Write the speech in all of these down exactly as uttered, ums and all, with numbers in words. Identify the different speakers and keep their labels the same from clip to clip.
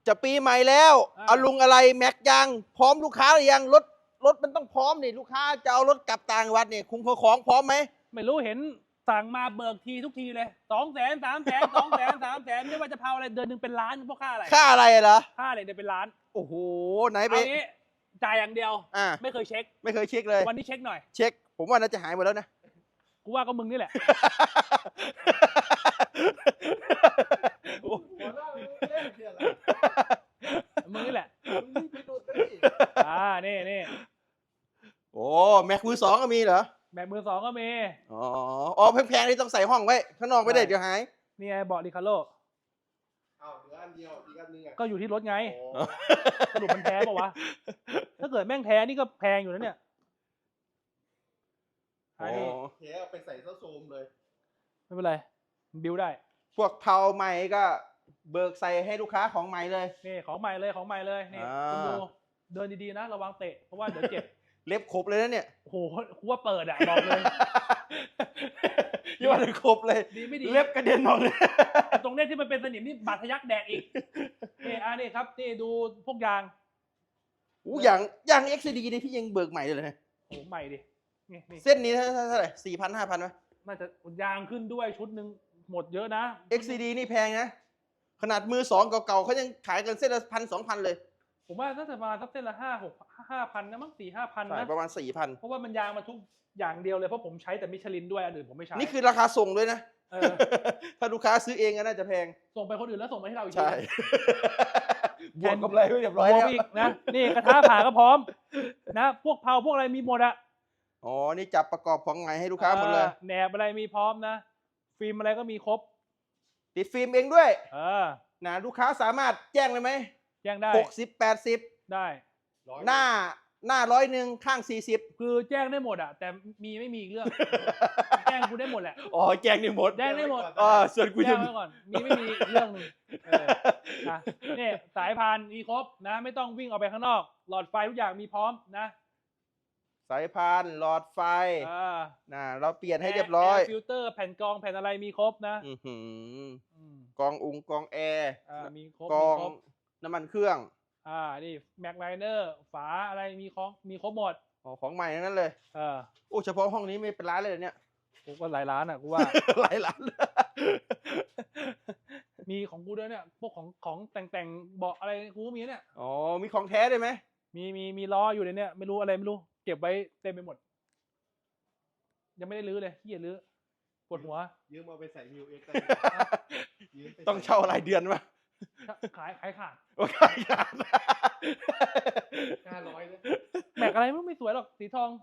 Speaker 1: จะปีใหม่แล้วเอาลุงอะไรแม็กยังพร้อมลูกค้าหรือยังรถรถมันต้องพร้อมนี่ลูกค้าจะเอารถกลับต่างจังหวัดนี่คุ้มของพร้อมไหม
Speaker 2: ไม่รู้เห็นสั่งมาเบิกทีทุกทีเลยสองแสนสามแสนสองแสนสามแสนไม่ว่าจะเผาอะไรเดือนหนึ่งเป็นล้านเพราะค่าอะไร
Speaker 1: ค่าอะไรเหรอ
Speaker 2: ค่าอะไรเดือนเป็นล้าน
Speaker 1: โอ้โหไหนไป
Speaker 2: เอางี้จ่ายอย่างเดียว
Speaker 1: อ่า
Speaker 2: ไม่เคยเช็ค
Speaker 1: ไม่เคยเช็คเลย
Speaker 2: วันนี้เช็คหน่อย
Speaker 1: เช็คผมว่าน่าจะหายหมดแล้วนะ
Speaker 2: กูว่าก็มึงนี่แหละมึงนี่แหละอ่านี่นี่
Speaker 1: โอ้แม็กมือสองก็มีเหรอ
Speaker 2: แม็กมือสองก็มี
Speaker 1: อ๋ออ๋อแพงๆนี่ต้องใส่ห้องไว้ข้างนอกไม่ได้เดี๋ยวหาย
Speaker 2: นี่ไงเบาะริคาโล
Speaker 3: อ้าวเหลืออันเดียวอีกอันนึงอ่ะ
Speaker 2: ก็อยู่ที่รถไงสรุปมันแท้ป่าวะถ้าเกิดแม่งแท้นี่ก็แพงอยู่นะเนี่ย
Speaker 3: อันนี้แท้เอาไปใส่เส้าโซมเลย
Speaker 2: ไม่เป็นไรบิวได้
Speaker 1: พวกเผาใหม่ก็เบิกใส่ให้ลูกค้าของใหม่เลย
Speaker 2: นี่ของใหม่เลยของใหม่เลยนี่คุณดูเดินดีๆนะระวังเตะเพราะว่าเดี๋ยวเจ็บ
Speaker 1: เล็บครบเลยนะเนี่ย
Speaker 2: โอ้โหกูว่าเปิดอ่ะบอกเลย
Speaker 1: ยี่ว่าครบเลย
Speaker 2: ดีไม่ดี
Speaker 1: เล็บกระเด็นออกเลย
Speaker 2: ตรงเนี้ยที่มันเป็นสนิมนี่บาดทะยักแดกอีกนี่อ่านี่ครับนี่ดูพวกยาง
Speaker 1: อู้อย่างอย่างเอ็กซ์ดีนี่พี่ยังเบิกใหม่เลยนะ
Speaker 2: โอ้ใหม่ดินี่
Speaker 1: เส้นนี้เท่าไหร่สี่พันห้าพันไหม
Speaker 2: น่าจะยางขึ้นด้วยชุดหนึ่งหมดเยอะนะ
Speaker 1: เอ็กซ์ดีนี่แพงนะขนาดมือสองเก่าๆเขายังขายกันเส้นละพันสองพันเลย
Speaker 2: ผมว่าน่าจะประมาณสักเส้นละห้าหกห้าพันนะมั้งสี่ห้าพันนะ
Speaker 1: ประมาณสี่พัน
Speaker 2: เพราะว่ามันยางมาทุกอย่างเดียวเลยเพราะผมใช้แต่มิชลินด้วยอันอื่นผมไม่ใช้
Speaker 1: นี่คือราคาส่งด้วยนะถ้าลูกค้าซื้อเองก็น่าจะแพง
Speaker 2: ส่งไปคนอื่นแล้วส่งมาให้เราอีก
Speaker 1: ใช่บวกกำไรไว้เรียบร้อยแล้ว
Speaker 2: อีกนะนี่กระทะผ่าก็พร้อมนะพวกเผาพวกอะไรมีหมดอะ
Speaker 1: อ๋อนี่จับประกอบของใหม่ให้ลูกค้าหมดเลย
Speaker 2: แหนบอะไรมีพร้อมนะฟิล์มอะไรก็มีครบ
Speaker 1: ติดฟิล์มเองด้วย
Speaker 2: เออ
Speaker 1: นะลูกค้าสามารถแจ้งเลยไหม
Speaker 2: แจ้งได้
Speaker 1: หกสิบแปดสิบ
Speaker 2: ได้
Speaker 1: หน้าหน้าร้อยหนึ่งข้างสี่สิบ
Speaker 2: คือแจ้งได้หมดอ่ะแต่มีไม่มีอีกเรื่องแจ้งกูได้หมดแหละ
Speaker 1: อ๋อแจ้งได้หมด
Speaker 2: แจ้งได้หมด
Speaker 1: อ๋อส่วนกู
Speaker 2: แจ้งไว้ก่อนมีไม่มีเรื่องนึงนะนี่สายพานมีครบนะไม่ต้องวิ่งออกไปข้างนอกหลอดไฟทุกอย่างมีพร้อมนะ
Speaker 1: สายพานหลอดไฟนะเราเปลี่ยนให้เรียบร้อย
Speaker 2: ฟิลเตอร์แผ่นกรองแผ่นอะไรมีครบนะ
Speaker 1: กรองอุงกรองแอร์
Speaker 2: มีครบ
Speaker 1: กรองน้ำมันเครื่อง
Speaker 2: อ่านี่แม็กไลเนอร์ฝาอะไรมีของมีครบหมด
Speaker 1: อ๋อของใหม่ทั้งนั้นเลย
Speaker 2: เออ
Speaker 1: โอ้เฉพาะห้องนี้ไม่เป็นร้านเลยเนี่ย
Speaker 2: กูก็หลายร้านอ่ะกูว่า
Speaker 1: หลายร้าน
Speaker 2: มีของกูด้วยเนี่ยพวกของของแต่งแต่งเบาะอะไรกูมีเนี่ย
Speaker 1: อ๋อมีของแท้ด้วยไหม
Speaker 2: มีมีมีล้ออยู่ในเนี่ยไม่รู้อะไรไม่รู้เก็บไว้เต็มไปหมดยังไม่ได้รื้อเลยที่อย่ารื้อปวดหัว
Speaker 3: ยืมเอาไปใส่มิวเอ็กซ์
Speaker 1: ต้องเช่ารายเดือนวะ
Speaker 2: ขายขายขาด
Speaker 1: ขายขาด
Speaker 3: ห้าร้อยเลย
Speaker 2: แม็กอะไรไม่สวยหรอกสีทอง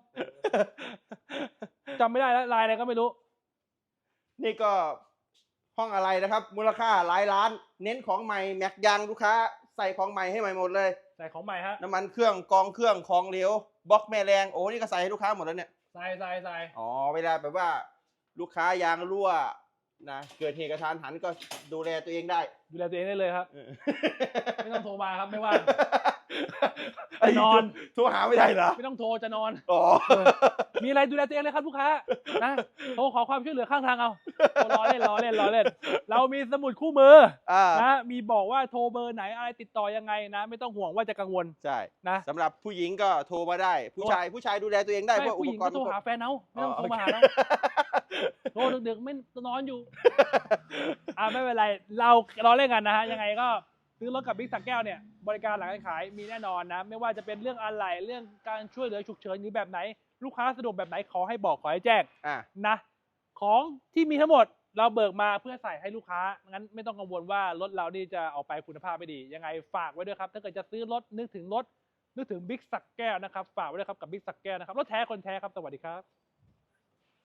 Speaker 2: จำไม่ได้แล้วลายอะไรก็ไม่รู้
Speaker 1: นี่ก็ห้องอะไรนะครับมูลค่าหลายล้านเน้นของใหม่แม็กยางลูกค้าใส่ของใหม่ให้ใหม่หมดเลย
Speaker 2: ใส่ของใหม่ฮะ
Speaker 1: น้ำมันเครื่องกองเครื่องของเหลวบล็อกแม่แรงโอ้นี่ก็ใส่ให้ลูกค้าหมดแล้วเนี่ย
Speaker 2: ใส่ใส่ใส่
Speaker 1: อ๋อเวลาแบบว่าลูกค้ายางรั่วนะเกิดเหตุกระทันหันก็ดูแลตัวเองได้
Speaker 2: ดูแลตัวเองได้เลยครับไม่ต้องโทรมาครับไม่ว่างจะนอน
Speaker 1: โทรหาไม่ได้เหรอ
Speaker 2: ไม่ต้องโทรจะนอน
Speaker 1: อ๋อ
Speaker 2: มีอะไรดูแลตัวเองเลยครับลูกค้านะโทรขอความช่วยเหลือข้างทางเอารอเล่นรอเล่นรอเล่นเรามีสมุดคู่มือนะมีบอกว่าโทรเบอร์ไหนอะไรติดต่อยังไงนะไม่ต้องห่วงว่าจะกังวล
Speaker 1: ใช่
Speaker 2: นะ
Speaker 1: สำหรับผู้หญิงก็โทรมาได้ผู้ชายผู้ชายดูแลตัวเองได้เพราะอุปกรณ์
Speaker 2: ผู้หญิงก็โทรหาแฟนเอาไม่ต้องโทรมาหาเราโทรดึกๆไม่นอนอยู่อ่าไม่เป็นไรเราเราเล่นกันนะฮะยังไงก็ซื้อรถกับบิ๊กสักแก้วเนี่ยบริการหลังการขายมีแน่นอนนะไม่ว่าจะเป็นเรื่องอะไหล่เรื่องการช่วยเหลือฉุกเฉินหรือแบบไหนลูกค้าสะดวกแบบไหนขอให้บอกขอให้แจ้งนะของที่มีทั้งหมดเราเบิกมาเพื่อใส่ให้ลูกค้างั้นไม่ต้องกังวลว่ารถเรานี่จะออกไปคุณภาพไม่ดียังไงฝากไว้ด้วยครับถ้าเกิดจะซื้อรถนึกถึงรถนึกถึงบิ๊กสักแก้วนะครับฝากไว้ด้วยครับกับบิ๊กสักแก้วนะครับรถแท้คนแท้ครับสวัสดีครับ